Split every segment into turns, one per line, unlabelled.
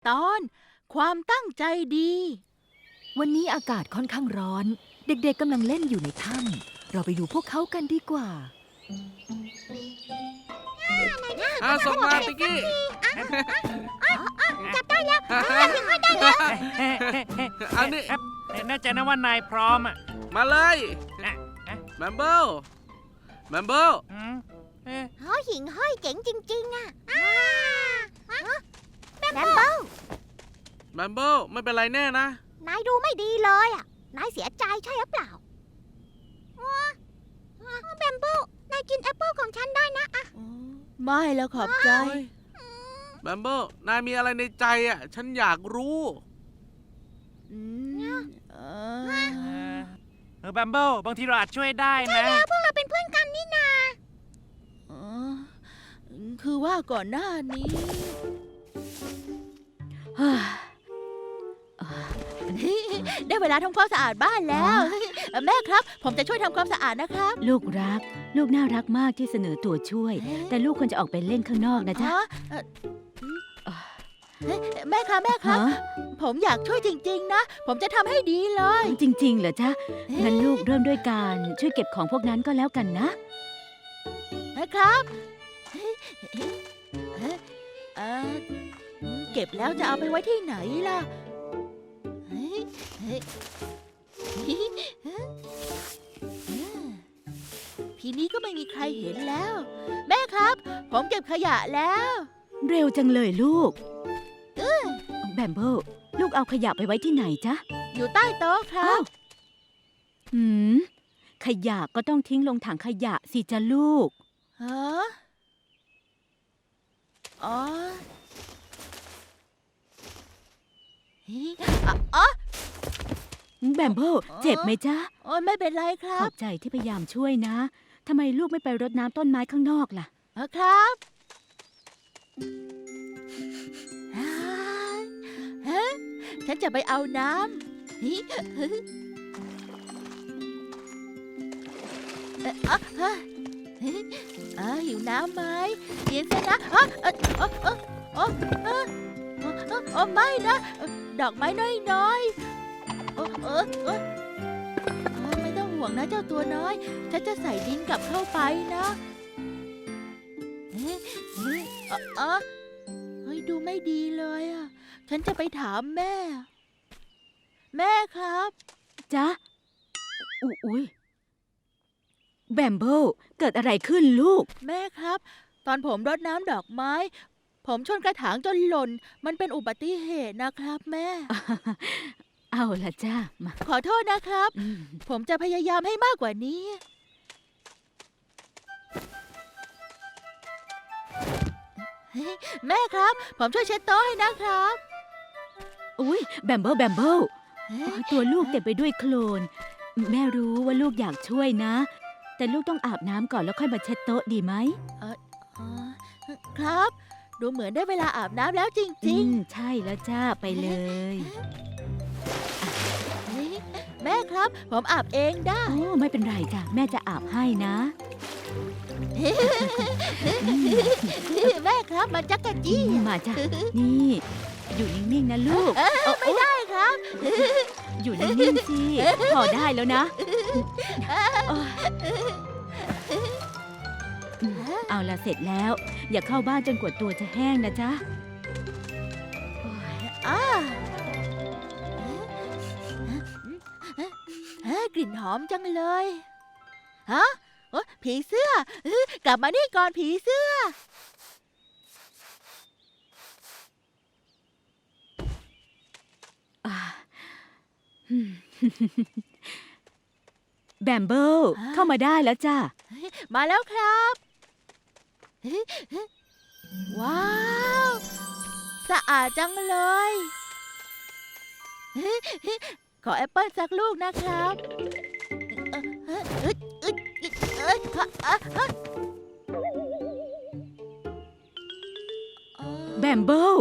ตอนความตั้งใจดี
วันนี้อากาศค่อนข้างร้อน เด็กๆกำลังเล่นอยู่ในถ้ำเราไปดูพวกเขากันดีกว่า
ส่งมาติกกี้
จับได้แล้ว
อันนี้
แน่ใจนะว่านายพร้อมอ่ะ
มาเลยแมมเบิล
เขาหิ่งห้อยเจ๋งจริงๆอ่ะแบมเบิล
ไม่เป็นไรแน่นะ
นายดูไม่ดีเลยอ่ะ นายเสียใจใช่หรือเปล่าแบมเบิลนายกินแอปเปิลของฉันได้นะอะ
ไม่แล้วขอบใจ
แมมเบิลนายมีอะไรในใจอ่ะ ฉันอยากรู้
อืมเออ
แบมเบิลบางทีเราอาจช่วยได้นะ
พวกเราเป็นเพื่อนกันนี่นา
เออคือว่าก่อนหน้านี้ได้เวลาทำความสะอาดบ้านแล้ว แม่ครับ ผมจะช่วยทำความสะอาดนะครับ
ลูกรัก ลูกน่ารักมากที่เสนอตัวช่วย แต่ลูกควรจะออกไปเล่นข้างนอกนะจ๊ะ
แม่ครับ
ฮะ
ผมอยากช่วยจริงๆนะ ผมจะทำให้ดีเลย
จริงๆเหรอจ๊ะงั้นลูกเริ่มด้วยการช่วยเก็บของพวกนั้นก็แล้วกันนะ
นะครับเก็บแล้วจะเอาไปไว้ที่ไหนล่ะทีนี้ก็ไม่มีใครเห็นแล้ว แม่ครับ ผมเก็บขยะแล้ว
เร็วจังเลยลูกแบมเบิลลูกเอาขยะไปไว้ที่ไหนจ๊ะ
อยู่ใต้โต๊ะครั
อ้า
บ
วหืมขยะก็ต้องทิ้งลงถังขยะสิจ๊ะลูก
ฮะอ๋ออ๋อ
แบมเบิลเจ็บไหมจ๊ะ
โอ้ยไม่เป็นไรครั
ข
บ
อบใจที่พยายามช่วยนะทำไมลูกไม่ไปรดน้ำต้นไม้ข้างนอกล่ะ
ครับฮะฉันจะไปเอาน้ำหิวน้ำไหมกินซะนะไม่นะ ดอกไม้น้อยๆไม่ต้องห่วงนะเจ้าตัวน้อย ฉันจะใส่ดินกลับเข้าไปนะเฮ้ยดูไม่ดีเลยอ่ะ ฉันจะไปถามแม่ แม่ครับ
จ๊ะอุ๊ยแบมเบิลเกิดอะไรขึ้นลูก
แม่ครับ ตอนผมรดน้ำดอกไม้ ผมชนกระถางจนหล่น มันเป็นอุบัติเหตุนะครับแม่
เอาละจ้ามา
ขอโทษนะครับ ผมจะพยายามให้มากกว่านี้ แม่ครับ ผมช่วยเช็ดโต๊ะให้นะครับ
อุ๊ยแบมเบิลตัวลูกเต็มไปด้วยโคลน แม่รู้ว่าลูกอยากช่วยนะ แต่ลูกต้องอาบน้ำก่อนแล้วค่อยมาเช็ดโต๊ะดีไหม
ครับ ดูเหมือนได้เวลาอาบน้ำแล้วจริง
ใช่แล้วจ้าไปเลย
ๆ แม่ครับ ผมอาบเองได้
โอ้ไม่เป็นไรจ้ะแม่จะอาบให้นะ
แม่ครับมันจักกะจี้
มาจ้ะนี่ อยู่นิ่งๆนะลูก
ไม่ได้ครับ
อยู่นิ่งๆสิพอได้แล้วนะเอาละเสร็จแล้ว อย่าเข้าบ้านจนกว่าตัวจะแห้งนะจ๊ะ
กลิ่นหอมจังเลยฮะผีเสื้อกลับมานี่ก่อนผีเสื้อ
แบมเบิลเข้ามาได้แล้วจ้า
มาแล้วครับ ว้าว สะอาดจังเลย ขอแอปเปิ้ลสักลูกนะครับ
แบมเบิล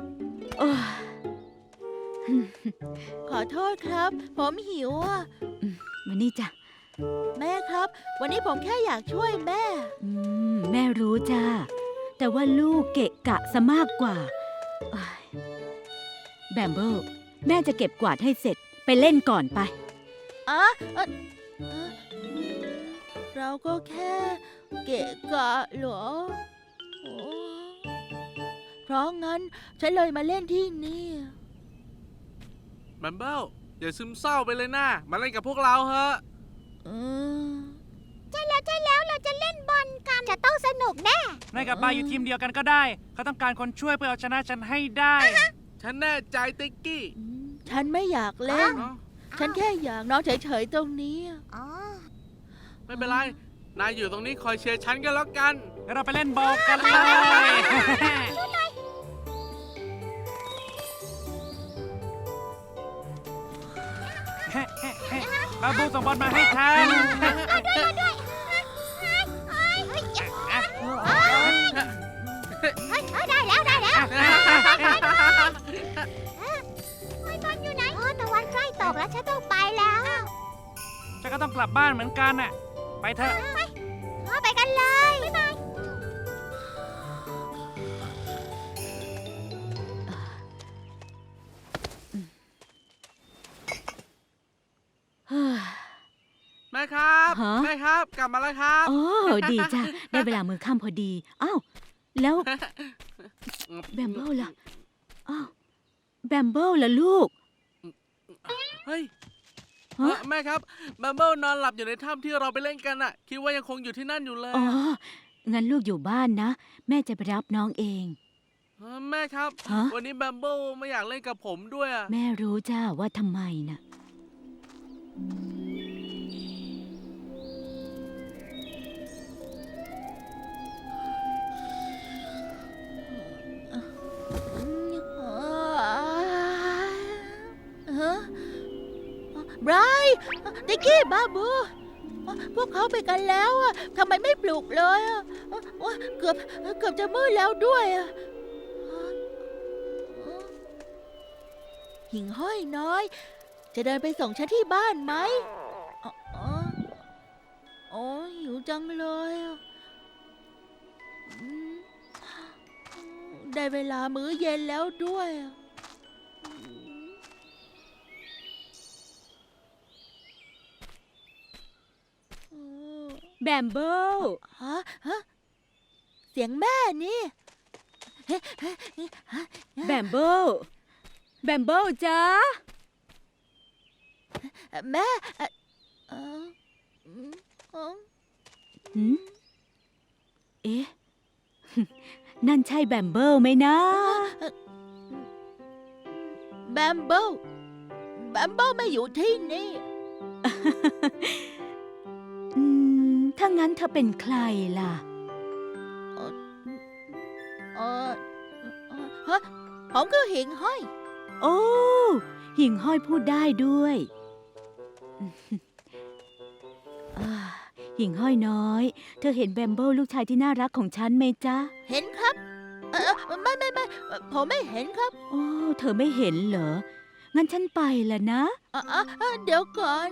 ขอโทษครับ ผมหิวอ่ะ
มานี่จ้ะ
แม่ครับ วันนี้ผมแค่อยากช่วยแม่
แม่รู้จ้าแต่ว่าลูกเกะกะซะมากกว่าแบมเบิลแม่จะเก็บกวาดให้เสร็จไปเล่นก่อนไป
อ่ะเอ่อเอ่อเราก็แค่เกะกะเหรอโอ้เพราะงั้นฉันเลยมาเล่นที่นี่
แบมเบิลอย่าซึมเศร้าไปเลยนะมาเล่นกับพวกเราเถอะ
เออ
ใช่แล้วเราจะเล่นบอลกัน จะต้องสนุกแน่
นายกับบายอยู่ทีมเดียวกันก็ได้ เขาต้องการคนช่วยเพื่อเอาชนะฉันให้ได้
ฉันแน่ใจติ๊กกี้
ฉันไม่อยากเล่น
เนาะ
ฉันแค่อยากนอนเฉยๆตรงนี้
อ๋อ
ไม่เป็นไร นายอยู่ตรงนี้คอยเชียร์ฉันก็แล้วกัน
งั้นเราไปเล่นบอลกันเลย บาบูส่งบอลมาให้ทัน
ได้แล้วบอลอยู่ไหนตะวันใกล้ตกแล้วฉันต้องไปแล้ว
ฉันก็ต้องกลับบ้านเหมือนกันน่ะ ไปเถอะ
ไปกันเลยบ๊ายบาย
เฮ้ย
แม่ครับ
ฮะ
แม่ครับ กลับมาแล้วครับ
โอ้ดีจ้ะได้เวลามื้อค่ำพอดีอ้าวแล้วแบมเบิลล่ะอ้าวแบมเบิลล่ะลูก
เฮ้ย
ฮะ
แม่ครับแบมเบิลนอนหลับอยู่ในถ้ำที่เราไปเล่นกันน่ะ คิดว่ายังคงอยู่ที่นั่นอยู่เลย
อ๋องั้นลูกอยู่บ้านนะ แม่จะไปรับน้องเอง
แม่ครับ
ฮะ
วันนี้แบมเบิลไม่อยากเล่นกับผมด้วยอะ
แม่รู้จ้าว่าทำไมน่ะ
ฮะไบรท์ติ๊กกี้บาบูพวกเขาไปกันแล้วอะทำไมไม่ปลุกเลยอะเกือบจะมืดแล้วด้วยอะหิ่งห้อยน้อย จะเดินไปส่งฉันที่บ้านไหมโอ้หิวจังเลยอะได้เวลามื้อเย็นแล้วด้วยอะ
แบมเบิล
ฮะเสียงแม่นี่
แบมเบิลแบมเบิลจ้า
แม่
หืมเอ๊ะ นั่นใช่แบมเบิลไหมนะ
แบมเบิลไม่อยู่ที่นี่
ถ้างั้นเธอเป็นใครล่ะ
ฮะผมคือหิ่งห้อย
โอ้ หิ่งห้อยพูดได้ด้วย หิ่งห้อยน้อย เธอเห็นแบมเบิลลูกชายที่น่ารักของฉันไหมจ๊ะ
เห็นครับไม่ผมไม่เห็นครับ
โอ้ เธอไม่เห็นเหรอ งั้นฉันไปละนะ
เดี๋ยวก่อน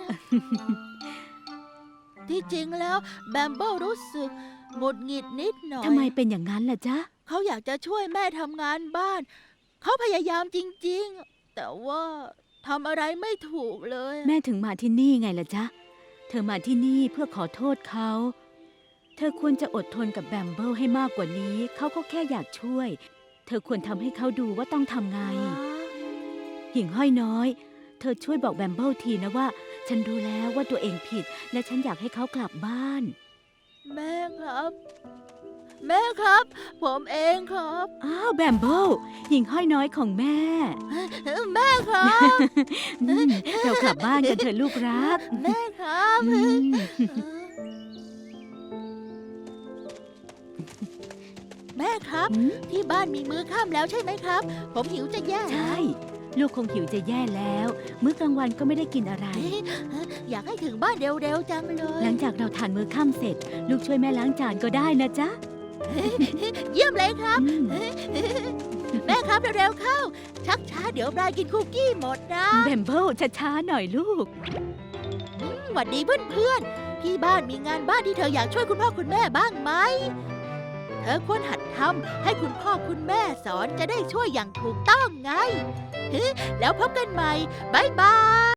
ที่จริงแล้วแบมเบิลรู้สึกหงุดหงิดนิดหน่อย
ทำไมเป็นอย่างนั้นล่ะจ๊ะ
เขาอยากจะช่วยแม่ทำงานบ้าน เขาพยายามจริงๆ แต่ว่าทำอะไรไม่ถูกเลย
แม่ถึงมาที่นี่ไงล่ะจ๊ะ เธอมาที่นี่เพื่อขอโทษเขา เธอควรจะอดทนกับแบมเบิลให้มากกว่านี้ เขาก็แค่อยากช่วย เธอควรทำให้เขาดูว่าต้องทำไง หิ่งห้อยน้อย เธอช่วยบอกแบมเบิลทีนะว่า ฉันรู้แล้วว่าตัวเองผิด และฉันอยากให้เขากลับบ้าน
แม่ครับ แม่ครับ ผมเองครับ
อ้าวแบมเบิลหิ่งห้อยน้อยของแม่
แม่ครับ
เรากลับบ้านกันเถอะลูกรัก
แม่ครับ
อืม
แม่ครับ
อืม
ที่บ้านมีมื้อค่ำแล้วใช่ไหมครับ ผมหิวจะแย่
ใช่ ลูกคงหิวจะแย่แล้ว มื้อกลางวันก็ไม่ได้กินอะไร
อยากให้ถึงบ้านเร็วๆจังเลย
หลังจากเราทานมื้อค่ำเสร็จ ลูกช่วยแม่ล้างจานก็ได้นะจ๊ะ
เยี่ยมเลยครับ
อืม
แม่ครับเร็วๆเข้า ชักช้าเดี๋ยวบรายกินคุกกี้หมดนะ
แบมเบิลช้าๆหน่อยลูก
หวัดดีเพื่อนๆที่บ้านมีงานบ้านที่เธออยากช่วยคุณพ่อคุณแม่บ้างไหม ถเธอควรหัดทำให้คุณพ่อคุณแม่สอนจะได้ช่วยอย่างถูกต้องไง แล้วพบกันใหม่ บ๊ายบาย